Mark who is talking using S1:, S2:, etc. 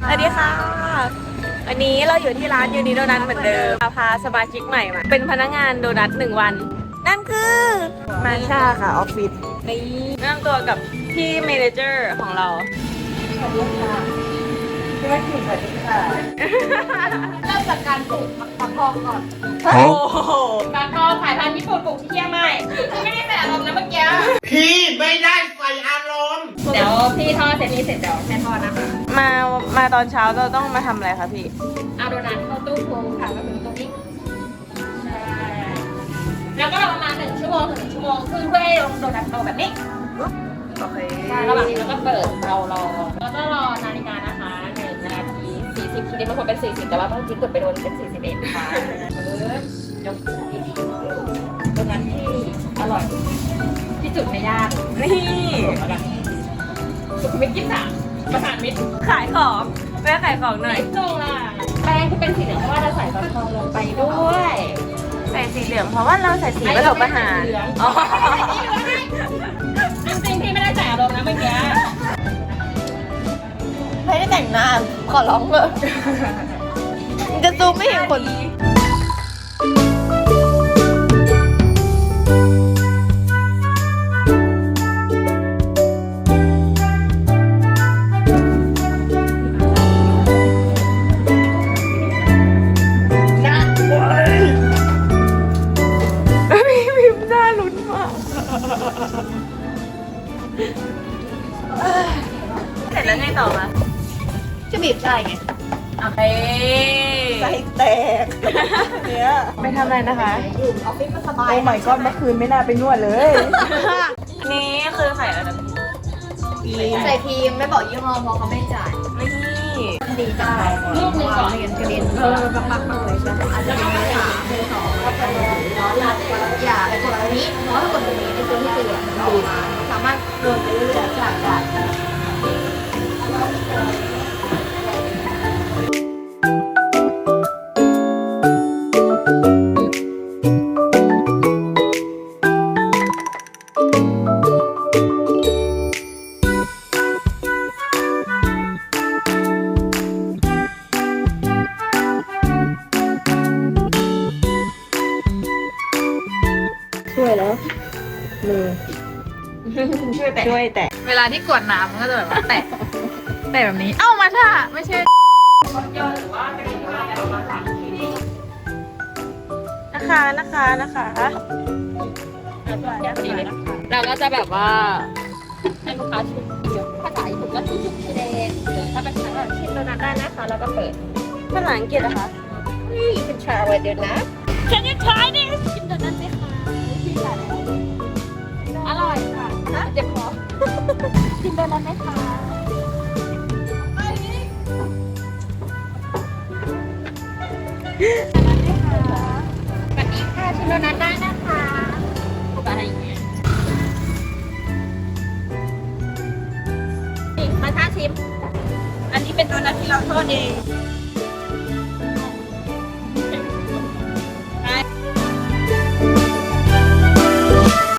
S1: สวัสดีค่ะวันนี้เราอยู่ที่ร้านยูนิโดนัทเหมือนเดิมพาสมาชิกใหม่มาเป็นพนักงานโดนัท1 วัน นั่นคือมาชาค่ะออฟฟิศนี่แนะนำตัวกับพี่เมเนเจอร์ของเรา
S2: สวัสดีค่ะพี่ว่าถึงสวัสดีค่ะเริ่มจากการปลูกฟักทองก่อน
S1: โอ้โห
S2: ฟักทองสายพันธุ์ญี่ปุ่นปลูกที่เชียงใหม่ไม่ได้ใส่อารมณ์นะเมื่อกี้
S3: พี่ไม่ได้ใส่อารมณ์
S2: เดี๋ยวพี่ทอดเสร็จนี่เสร็จเดี๋ยวแม่ทอดนะคะ
S1: มาตอนเช้าเราต้องมาทำอะไรคะพี่
S2: เอาโดนัทเข้าตู้โฟมค่ะก็คือตรงนี้ใช่แล้วก็รอประมาณ1 ชั่วโมงถึง1 ชั่วโมงครึ่งเพื่อให้โดนัทโตแบบนี้
S1: โอเค
S2: ระหว่างนี้เราก็เปิดเรารอแล้วก็รอนาฬิกานะคะ1 นาที 40ทีนี้มันควรเป็น40แต่ว่าบางทีกดไปโดนเป็น41ค่ะยกโดนัทที่อร่อยที่จุดไม่ยาก
S1: นี่
S2: สุขุมวิท23ประสานมิตร
S1: ขายของแม่ขายของหน่อย
S2: จงล่ะแป้งที่เป็นสีเหลืองเพราะว่าเราใส่ฟักทองลงไปด้วย
S1: ใส่สีเหลืองเพราะว่าเราใส่สีผสมอาหารอ๋อ
S2: จริงๆพี่ไม่ได้ใส่อารมณ์นะเมื่อกี้
S1: ไม่ได้แต่งหน้าขอร้องเลยจะซูมไม่เห็นคนเสร็จแล้วไงต่อมา
S2: จะบีบใส่ไง
S1: โอเคใส่แตกเนี่ยไปทำอะไรนะคะ
S2: อยู่ออฟฟิศมันสบาย
S1: โอ้ไม่ก้อนเมื่อคืนไม่น่าไปนวดเลยนี่คือใส่อะไรนะ
S2: ใส่ครีมไม่บอกยี่ห้อเพราะเขาไม่จ่าย
S1: นี่
S2: ดีจังลูกนึงก่อนเรียนกระเด็นปักเลยใช่ไหมอาจจะไม่ได้2ก็จะร้อนละอย่าไปกดตรงนี้เพราะถ้ากดตรงนี้ในตัวที่เตือนดูสามารถเดินไปเรื่อยๆได้
S1: ช่วยแล้วมือช่วยแตะ
S2: เวลาที่กวดน้ำมันก็จะแบบว่าแตะแบบนี้เอ้ามาท่าไม่ใช่
S1: นะคะ
S2: เราก็จะแบบว่าให้ลูกค้าชิมภาษาญี่ปุ่นก็ชิมชิเดนหรือถ้าเป็นภาษาชิมโดนัทได้นะคะแล้วก็เปิด
S1: ภาษาอังกฤษนะคะ
S2: นี่เป็นชาไวเดอร์นะ Can you try this ชิมโดนัทไหมคะพี่ค่ะอร่อยค่ะเจ็บคอชิมโดนัทไหมคะสวัสดีค่ะชิมโดนัทได้นะคะอะไรอย่างเงี้ยมาท่าชิมอันนี้เป็นโดนัทที่เราทอดเอง